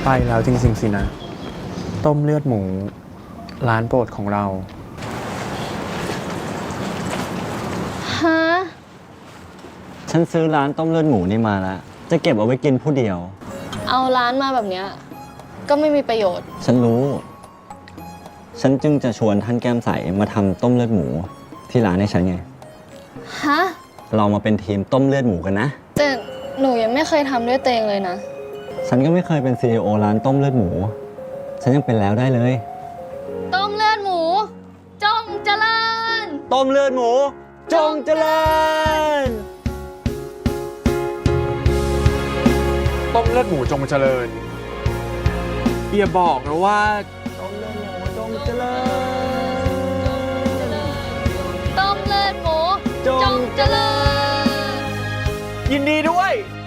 ไปแล้วจริงๆสินะ ต้มเลือดหมู ร้านโปรดของเราฮะฉันซื้อร้านต้มเลือดหมูนี่มาแล้ว จะเก็บเอาไว้กินผู้เดียวเอาร้านมาแบบเนี้ยก็ไม่มีประโยชน์ฉันรู้ ฉันจึงจะชวนท่านแก้มใสมาทำต้มเลือดหมูที่ร้านให้ฉันไงฮะเรามาเป็นทีมต้มเลือดหมูกันนะแต่หนูยังไม่เคยทำด้วยตัวเองเลยนะฉันก็ไม่เคยเป็น CEO ร้านต้มเลือดหมู ฉันยังเป็นแล้วได้เลยต้มเลือดหมู จงเจริญต้มเลือดหมู จงเจริญต้มเลือดหมูจงเจริญอย่าบอกนะว่าต้มเลือดหมูจงเจริญต้มเลือดหมูจงเจริญยินดีด้วย